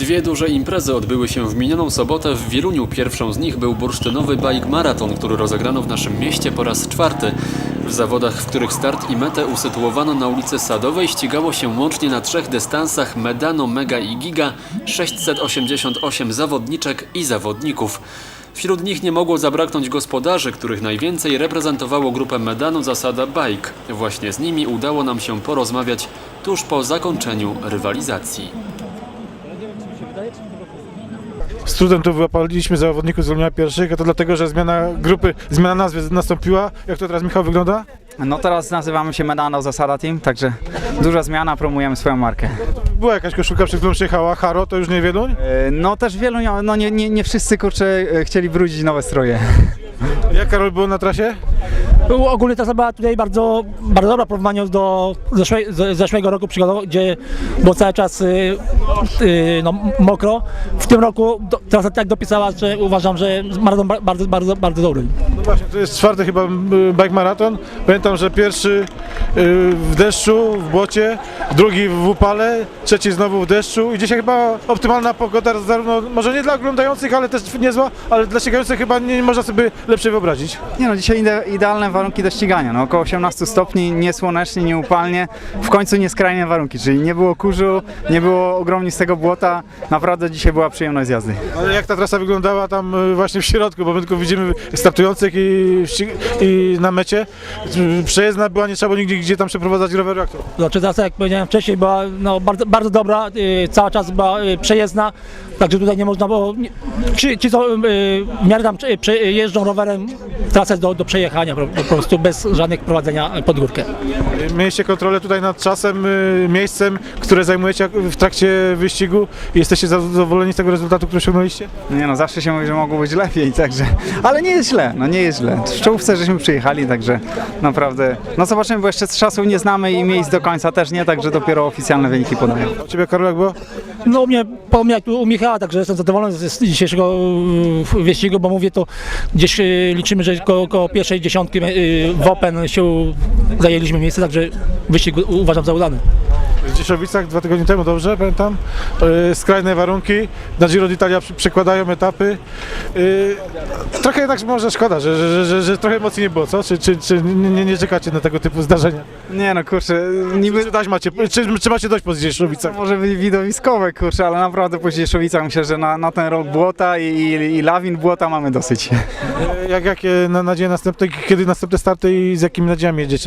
Dwie duże imprezy odbyły się w minioną sobotę w Wieluniu. Pierwszą z nich był bursztynowy bike maraton, który rozegrano w naszym mieście po raz czwarty. W zawodach, w których start i metę usytuowano na ulicy Sadowej, ścigało się łącznie na 3 dystansach Medano, Mega i Giga 688 zawodniczek i zawodników. Wśród nich nie mogło zabraknąć gospodarzy, których najwięcej reprezentowało grupę Medano Zasada Bike. Właśnie z nimi udało nam się porozmawiać tuż po zakończeniu rywalizacji. Z trudem tu wyłapaliśmy zawodników z Wielunia pierwszych, a to dlatego, że zmiana grupy, zmiana nazwy nastąpiła. Jak to teraz, Michał, wygląda? No teraz nazywamy się Medano Zasada Team, także duża zmiana, promujemy swoją markę. Była jakaś koszulka, przed którą przyjechała Haro, to już nie Wieluń? No też wielu, no nie wszyscy kurczę chcieli brudzić nowe stroje. Jak, Karol, było na trasie? Ogólnie trasa była tutaj bardzo dobra w porównaniu do zeszłego roku przygodowo, gdzie było cały czas mokro. W tym roku trasa tak dopisała, że uważam, że maraton bardzo dobry. No właśnie, to jest czwarty chyba bike maraton. Pamiętam, że pierwszy w deszczu, w błocie, drugi w upale, trzeci znowu w deszczu i dzisiaj chyba optymalna pogoda, zarówno może nie dla oglądających, ale też niezła, ale dla ścigających chyba nie można sobie lepszej wyobrazić. Nie no, dzisiaj idealne warunki do ścigania, no około 18 stopni, nie słonecznie, nie upalnie, w końcu nieskrajne warunki, czyli nie było kurzu, nie było ogromnistego błota, naprawdę dzisiaj była przyjemność z jazdy. Ale jak ta trasa wyglądała tam właśnie w środku, bo my tylko widzimy startujących i na mecie. Przejezdna była, nie trzeba było nigdzie gdzie tam przeprowadzać roweru, jak to? Znaczy trasa, jak powiedziałem wcześniej, była bardzo dobra, cały czas była przejezdna, także tutaj nie można było, ci co w miarę tam jeżdżą rowerem, trasa jest do przejechania po prostu bez żadnych prowadzenia pod górkę. Mieliście kontrolę tutaj nad czasem, miejscem, które zajmujecie w trakcie wyścigu i jesteście zadowoleni z tego rezultatu, który osiągnęliście? Nie no, zawsze się mówi, że mogło być lepiej, także, ale nie jest źle, no nie jest źle. W czołówce żeśmy przyjechali, także naprawdę, no zobaczymy, bo jeszcze czasów nie znamy i miejsc do końca też nie, także dopiero oficjalne wyniki podają. A Ciebie, Karol, jak było? No mnie, podobnie jak u Michała, także jestem zadowolony z dzisiejszego wyścigu, bo mówię to gdzieś liczymy, że koło pierwszej dziesiątki w Open się zajęliśmy miejsce, także wyścig uważam za udany. W Dzieszowicach 2 tygodnie temu, dobrze pamiętam, skrajne warunki, na Giro d'Italia przekładają etapy. Trochę jednak może szkoda, że trochę emocji nie było, co? Czy nie czekacie na tego typu zdarzenia? Nie no, kurczę, niby... Czy macie dość po Dzieszowicach? Może być widowiskowe, kurczę, ale naprawdę po Dzieszowicach myślę, że na ten rok błota i lawin błota mamy dosyć. Jakie nadzieje następne, kiedy następne starty i z jakimi nadziejami jedziecie?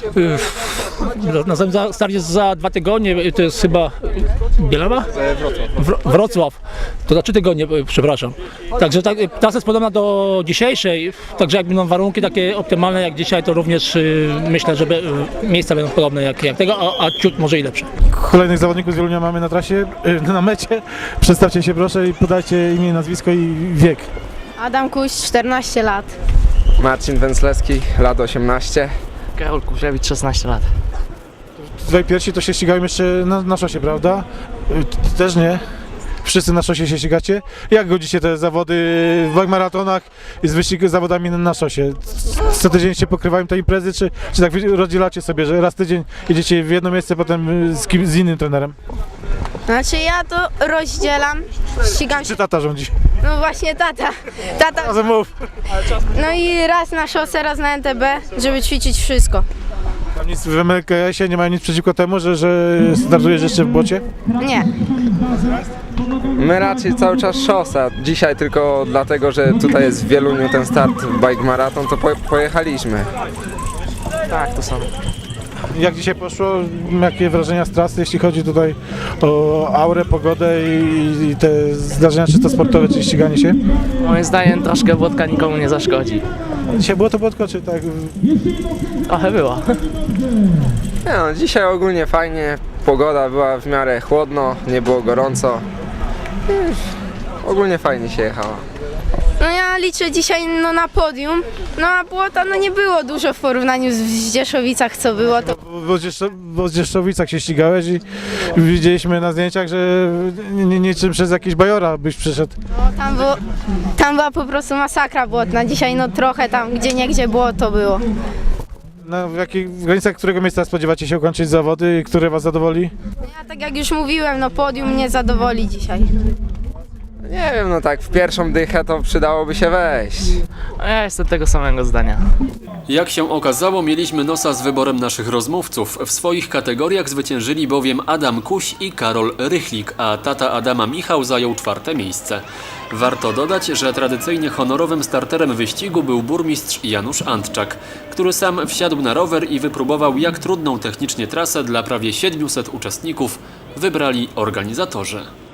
Następny start jest za 2 tygodnie, to jest chyba Bielawa? Wrocław. To za 3 tygodnie, przepraszam. Także trasa jest podobna do dzisiejszej, także jak będą warunki takie optymalne jak dzisiaj, to również myślę, że miejsca będą podobne jak tego, a ciut może i lepsze. Kolejnych zawodników z Wielunia mamy na trasie, na mecie. Przedstawcie się proszę i podajcie imię, nazwisko i wiek. Adam Kuś, 14 lat. Marcin Węclewski, lat 18. Karol Kurzewicz, 16 lat. Tutaj pierwsi to się ścigają jeszcze na szosie, prawda? Też nie. Wszyscy na szosie się ścigacie. Jak godzicie te zawody w bike maratonach i z zawodami na szosie? Co tydzień się pokrywają te imprezy, czy tak rozdzielacie sobie, że raz tydzień jedziecie w jedno miejsce, potem z innym trenerem? Znaczy ja to rozdzielam, ścigam się. Czy tata rządzi? No właśnie tata. Razem mów. No i raz na szosę, raz na NTB, żeby ćwiczyć wszystko. Tam nic w MLKS-ie nie mają nic przeciwko temu, że startujesz jeszcze w błocie? Nie. My raczej cały czas szosa. Dzisiaj tylko dlatego, że tutaj jest w Wieluniu ten start bike maraton, to pojechaliśmy. Tak, to samo. Jak dzisiaj poszło? Jakie wrażenia z trasy, jeśli chodzi tutaj o aurę, pogodę i te zdarzenia czysto sportowe, czy ściganie się? Moim zdaniem troszkę wódka nikomu nie zaszkodzi. Dzisiaj było to błotko, czy tak? Trochę było. Nie no, dzisiaj ogólnie fajnie, pogoda była w miarę chłodno, nie było gorąco. Ogólnie fajnie się jechało. No ja liczę dzisiaj na podium, no a błota nie było dużo w porównaniu z Dzieszowicach, co było. To... Bo w Dzieszowicach się ścigałeś i widzieliśmy na zdjęciach, że niczym przez jakiś bajora byś przyszedł. No, tam była po prostu masakra błotna, dzisiaj trochę tam gdzie niegdzie było to było. W jakich granicach którego miejsca spodziewacie się ukończyć zawody i które was zadowoli? Ja tak jak już mówiłem, no podium mnie zadowoli dzisiaj. Nie wiem, no tak w pierwszą dychę to przydałoby się wejść. A ja jestem tego samego zdania. Jak się okazało, mieliśmy nosa z wyborem naszych rozmówców. W swoich kategoriach zwyciężyli bowiem Adam Kuś i Karol Rychlik, a tata Adama Michał zajął 4. miejsce. Warto dodać, że tradycyjnie honorowym starterem wyścigu był burmistrz Janusz Antczak, który sam wsiadł na rower i wypróbował, jak trudną technicznie trasę dla prawie 700 uczestników wybrali organizatorzy.